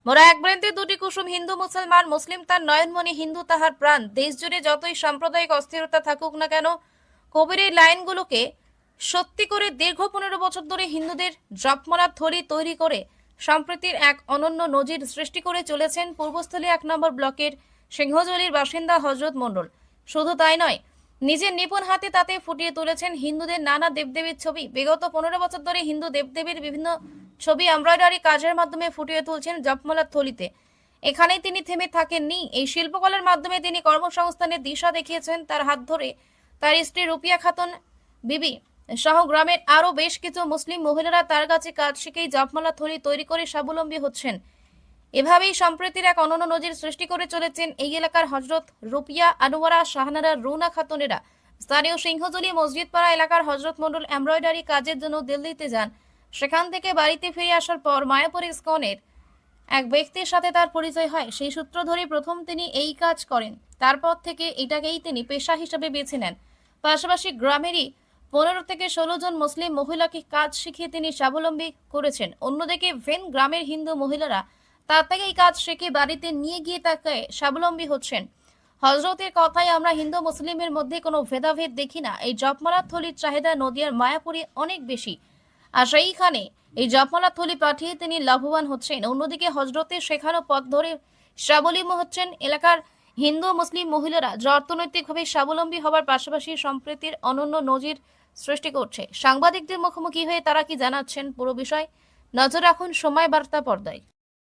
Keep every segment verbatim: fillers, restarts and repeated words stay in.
মোরা এক বৃন্তে দুটি কুসুম, হিন্দু মুসলমান, মুসলিম তার নয়নমণি, হিন্দু তাহার প্রাণ। দেশ জুড়ে যতই সাম্প্রদায়িক অস্থিরতা থাকুক না কেন, কবির এই লাইনগুলোকে সত্যি করে দীর্ঘ পনেরো বছর ধরে হিন্দুদের জপমালার থলি তৈরি করে সম্প্রীতির এক অনন্য নজির সৃষ্টি করে চলেছেন পূর্বস্থলী এক নম্বর ব্লকের সিংহজলির বাসিন্দা হজরত মণ্ডল। শুধু তাই নয়, নিজের নিপুণ হাতে তাতে ফুটিয়ে তুলেছেন হিন্দুদের নানা দেবদেবীর ছবি। বিগত পনেরো বছর ধরে হিন্দু দেবদেবীর বিভিন্ন ছবি এমব্রয়ডারি কাজের মাধ্যমে ফুটিয়ে তুলছেন জপমালার থলিতে। এখানেই তিনি থেমে থাকেননি। এই শিল্পকলার মাধ্যমে তিনি কর্মসংস্থানের দিশা দেখিয়েছেন। তার হাত ধরে তার স্ত্রী রুপিয়া খাতুন বিবি সহ গ্রামের আরো বেশ কিছু মুসলিম মহিলারা তার কাছে কাজ শিখেই জপমালা থলি তৈরি করে স্বাবলম্বী হচ্ছেন। এভাবেই সম্প্রীতির এক অনন্য নজির সৃষ্টি করে চলেছেন এই এলাকার হজরত রুপিয়া, আনোয়ারা, শাহানারা, রুনা খাতুনেরা। স্থানীয় সিংহজলি মসজিদপাড়া এলাকার হজরত মণ্ডল এমব্রয়ডারি কাজের জন্য দিল্লিতে যান। সেখান থেকে বাড়িতে ফিরে আসার পর মায়াপুর ইসকনের এক ব্যক্তির সাথে তার পরিচয় হয়। সেই সূত্র ধরে প্রথম তিনি এই কাজ করেন। তারপর থেকে এটাকেই তিনি পেশা হিসেবে বেছে নেন। পাশাপাশি গ্রামেরই পনেরো থেকে ষোলো জন মুসলিম মহিলাকে কাজ শিখিয়ে তিনি স্বাবলম্বী করেছেন। অন্যদিকে ভেন গ্রামের হিন্দু মহিলারা তার থেকে এই কাজ শিখে বাড়িতে নিয়ে গিয়ে তাকে স্বাবলম্বী হচ্ছেন। হজরতের কথায় আমরা হিন্দু মুসলিমের মধ্যে কোনো ভেদাভেদ দেখি না। এই জপমালার থলির চাহিদা নদিয়ার মায়াপুরে অনেক বেশি, আর সেইখানে এই জপমালা থলি পাঠিয়ে তিনি লাভবান হচ্ছেন। অন্যদিকে হজরতের শেখানো পথ ধরে স্বাবলম্বী হচ্ছেন এলাকার হিন্দু মুসলিম মহিলারা, যা অর্থনৈতিকভাবে স্বাবলম্বী হবার পাশাপাশি সম্প্রীতির অনন্য নজির সৃষ্টি করছে। সাংবাদিকদের মুখোমুখি হয়ে তারা কি জানাচ্ছেন পুরো বিষয় নজর রাখুন সময় বার্তা পর্দায়।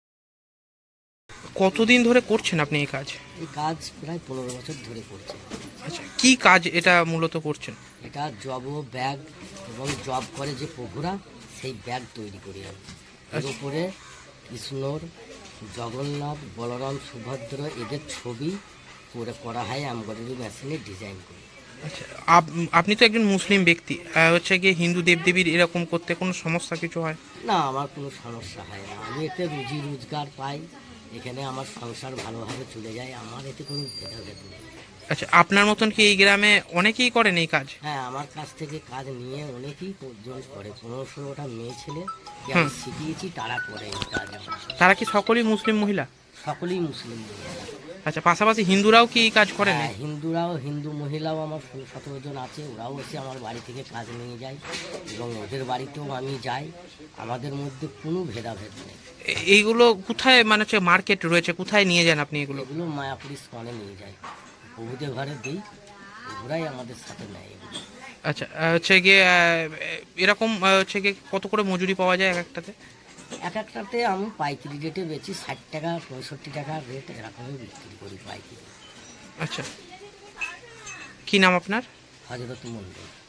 কতদিন ধরে করছেন আপনি এই কাজ? এই কাজ প্রায় পনেরো বছর ধরে করছে। আচ্ছা, কি কাজ এটা মূলত করছেন? এটা জব ও ব্যাগ এবং জব করে যে প্রভুরা, সেই ব্যাগ তৈরি করি আমি। এর উপরে কৃষ্ণর, জগন্নাথ, বলরাম, সুভদ্র এদের ছবি করে করা হয় এমব্রয়ডারি মেশিনে ডিজাইন করে। আচ্ছা, আপ- আপনি তো একজন মুসলিম ব্যক্তি, আহ, হচ্ছে গিয়ে হিন্দু দেবদেবীর এরকম করতে কোনো সমস্যা কিছু হয়? না, আমার কোনো সমস্যা হয় না। আমি এতে রুজি রোজগার পাই, এখানে আমার সংসার ভালোভাবে চলে যায়, আমার এতে কোনো ভেদাভেদ নেই। আচ্ছা, আপনার মতন কি এই গ্রামে অনেকেই করেন এই কাজ? হ্যাঁ, আমার কাছ থেকে কাজ নিয়ে অনেকেই জন করে, পনেরো ষোলোটা মেয়ে ছেলে আমি শিখিয়েছি, তারা করে এই কাজ। তারা কি সকলেই মুসলিম মহিলা? সকলেই মুসলিম মহিলা। আচ্ছা, পাশাপাশি হিন্দুরাও কি এই কাজ করেন? হ্যাঁ, হিন্দুরাও, হিন্দু মহিলাও আমার ষোলো সতেরো জন আছে, ওরাও এসে আমার বাড়ি থেকে কাজ নিয়ে যায় এবং ওদের বাড়িতেও আমি যাই। আমাদের মধ্যে কোনো ভেদাভেদ নেই। এ- এইগুলো কোথায়, মানে হচ্ছে মার্কেট রয়েছে, কোথায় নিয়ে যান আপনি এগুলো? এগুলো মায়াপুর স্কনে নিয়ে যাই, প্রভুদের ঘরে দিই, ওরাই আমাদের সাথে নেয় এগুলো। আচ্ছা, আহ, হচ্ছে গিয়ে আহ, এরকম আহ, হচ্ছে গিয়ে কত করে মজুরি পাওয়া যায় এক একটাতে? এক একটাতে আমি পাইকারি রেটে বেচি, ষাট টাকা পঁয়ষট্টি টাকার রেট এরকমই বিক্রি করি পাইকারি। আচ্ছা, কি নাম আপনার? হজরত মন্ডল।